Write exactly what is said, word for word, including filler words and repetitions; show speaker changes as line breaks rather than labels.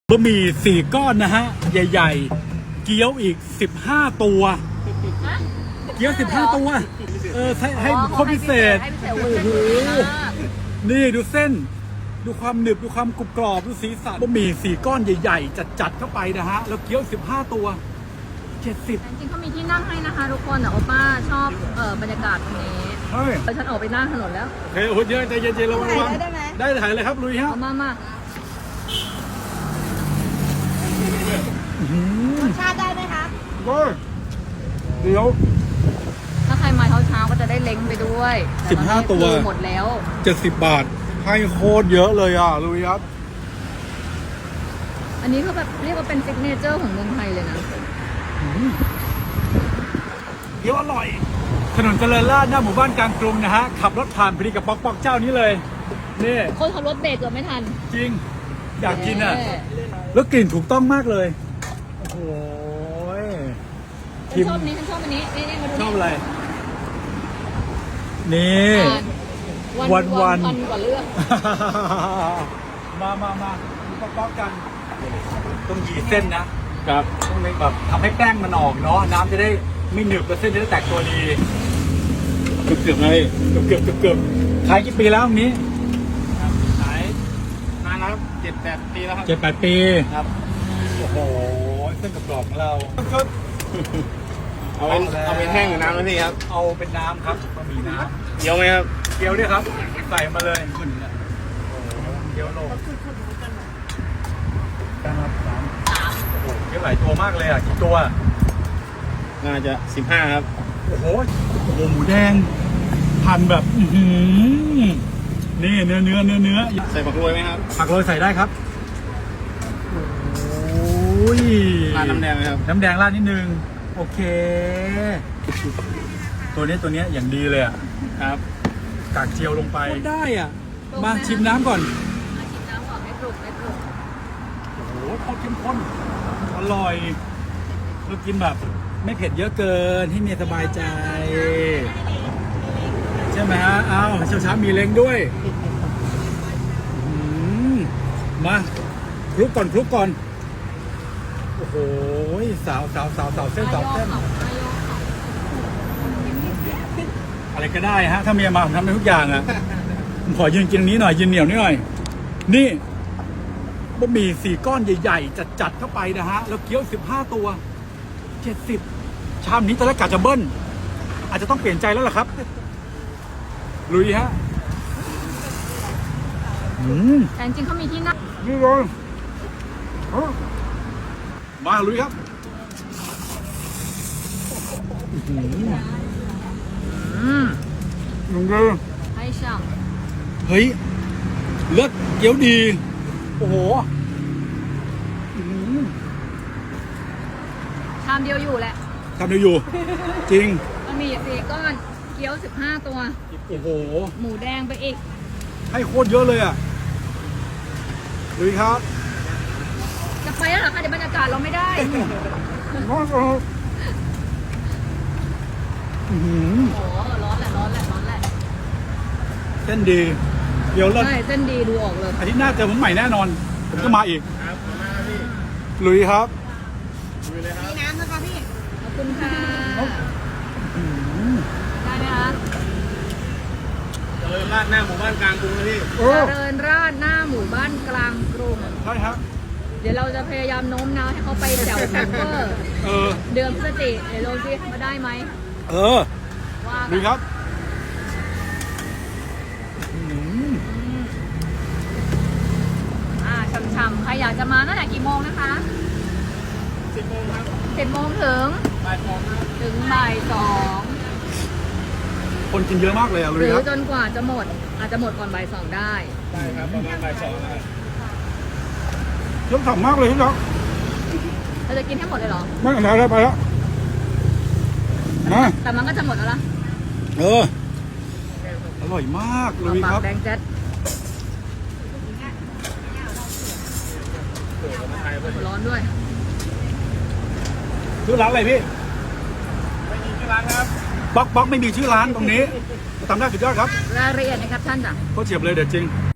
บะหมี่สี่ก้อนนะฮะใหญ่ๆเกี๊ยวอีกสิบห้าตัวเกี๊ยวสิบห้าตัวเออให้ให้คนพิเศษโอ้โหนี่ดูเส้นดูความหนึบดูความกรุบกรอบดูสีสันบะหมี่สี่ก้อนใหญ่ๆจัดๆเข้าไปนะฮะแล้วเกี๊ยวสิบห้าตัวเจ็ดสิบ
จริงๆเขามีที่นั่งให้นะคะทุกคนแต่โอป้าชอบเออบรรยากาศตรงนี้
เฮ้ย
ฉันออกไปนั่งถนนแล้ว
โอเคโอ้โหเยอะใจเย็นๆระวังได้ไหมได้ถ่ายเลยครับลุยฮะ
มามา
รสชาติได้ไหมคะ
เดี๋ยว
ถ้าใครมาเช้าๆก็จะได้เล้งไปด้วย
สิบห้าตัว
หมดแล้ว
เจ็ดสิบบาทให้โคตรเยอะเลยอ่ะลุยครับ
อันนี้ก็แบบเรียกว่าเป็นซิกเนเจอร์ของเมืองไทยเลยนะ
เดี๋ยวอร่อยถนนเจริญราษฎร์หน้าหมู่บ้านกลางกรุงนะฮะขับรถผ่านพอดีกับป๊อกป๊อกเจ้านี้เลยนี่
คนขับรถเบรกเกือบไม่ทัน
จริงอยากกินอ่ะแล้วกลิ่นถูกต้องมากเลยโอ้โห
ฉันชอบนี้ฉันชอบอันนี้นี่นี่มาดู
ชอบอะไรนี่วันวัน
วันกว่าเรื่อง
มามามาป๊อกป๊อกกันต้องยีเส้นนะครับต้องแบบทำให้แป้งมันออกเนาะน้ำจะได้ไม่หนึบและเส้นจะได้แตกตัวดีเกือบเกือบเลยเกือบเกือบเกือบเกือบขายกี่ปีแล้วตรงนี้
ขายนานแล้วครับเจ็ดแปดปีแล้วครับ
เจ็ดแปดปี
ครับ
โอ้โหเส้นกรอบของเรา
เอาเป็นเอาเป็นแห้งหรือน้ำนะพี่ครับ
เอาเป็นน้ำครับบะหมี่น้ำ
เกี๊ยวไหมครับ
เกี๊ยวเนี่ยครับใส่มาเลยขึ้นเนี่ยเกี๊ยวโลกันครับสามโอ้โหเกี๊ยวหลายตัวมากเลยอ่ะกี่ตัว
น่าจะสิบห้าครับ
โอ้โหโอ้โหหมูแดงพันแบบอือนี่เนื้อเนื้อเนื้อเนื้อ
ใส่ผักโรยไหมครับ
ผักโรยใส่ได้ครับโอ้ย
ราดน้ำแดงไหมครับ
น้ำแดงราดนิดนึงโอเคตัวนี้ตัวนี้อย่างดีเลยอ่ะ
ครับ
กากเจียวลงไปได้อ่ะมาชิมน้ำก่อน
ชิมน้ำก่อนให้ปรุงให้ปรุง
โอ้โหโคตรเข้มข้นอร่อยเรากินแบบไม่เผ็ดเยอะเกินให้เมียสบายใจใช่ไหมฮะเอาเช้าเช้ามีเล้งด้วยมาคลุกก่อนคลุกก่อนโอ้โหสาวสาวสาวสาวเส้นสาวเส้นอะไรก็ได้ฮะถ้าเมียมาผมทำได้ทุกอย่างอ่ะผมขอยืนกินนี้หน่อยยืนเหนียวนิดหน่อยนี่บะหมี่สี่ก้อนใหญ่ๆจัดๆเข้าไปนะฮะแล้วเกี๊ยวสิบห้าตัวเจ็ดสิบชามนี้ตอนแรกกะจะเบิ้ลอาจจะต้องเปลี่ยนใจแล้วล่ะครับลุยฮะ
แต่จริงเขามีที่นั่ง
นี่เลยมาลุยครับ
อืม
ลุงเลย
ให้ช่าง
เฮ้ยเลือดเกี๊ยวดีโอ้โห
ชามเดียวอยู่แหละ
ชามเดียวอยู่จริง
มันมีสี่ก้อนเกี๊ยวสิบห้าตัว
โอ้โห
หมูแดงไปอีก
ให้โคตรเยอะเลยอ่ะลุยครับ
จะไปแล้วเหรอคะเดี๋ยวบรรยากาศเราไม่ได้
ร้อนร้อนโอ้โห
ร้อนแหละร้อนแหละร้อนแหละ
เส้นดีเดี๋ยวเรา
ใช่เส้นดีดูออกเลย
อาทิตย์หน้าเจอผมใหม่แน่นอนผมจะมาอีก
ครับมาพี่
ลุยครับ
ลุยเลยครับ
มีน้ำนะคะพี่
ขอบคุณค่ะได้ไหมคะ
เจริญราษฎร์หน้าหมู่บ้านกลางกรุงนะพี่
เจริญราษฎร์หน้าหมู่บ้านกลางกรุง
ใช่ครับ
เดี๋ยวเราจะพยายามโน้มน้าวให้เขาไปแถวแซมเปอร์เดือนพฤศจิกายนเดี๋ยวเราซิมาได้ไหม
เออดีครับ
อ่าช่ำๆใครอยากจะมาตั้งแต่กี่โมงนะคะ
สิบโมงครับ
สิบโมงถึง
บ่ายสองครับ
ถึงบ่ายสอง
คนกินเยอะมากเลยอ่ะ
หรือจนกว่าจะหมดอาจจะหมดก่อนบ่ายสองได้
ได้ครับประมาณบ่ายสองนะ
เยอะฉ่ำมากเลยพี่น้อง
เราจะกินให้หมดเลยเหรอ
ไม่เอาแล้วไปแล้วนะ
แต่มันก็จะหมดแล้วล่ะ
เอออร่อยมากเลยครับ
แดงแจ๊ดร้อนด้วย
ชื่อร้านอะไรพี่
ไม่มีชื่อร้านครับ
บ๊อกบ๊อกไม่มีชื่อร้านตรงนี้ทำได้สุดยอดครับ
รายละเอียดนะครับท่านจ้ะ
ก็เฉียบเลยเด็ดจริง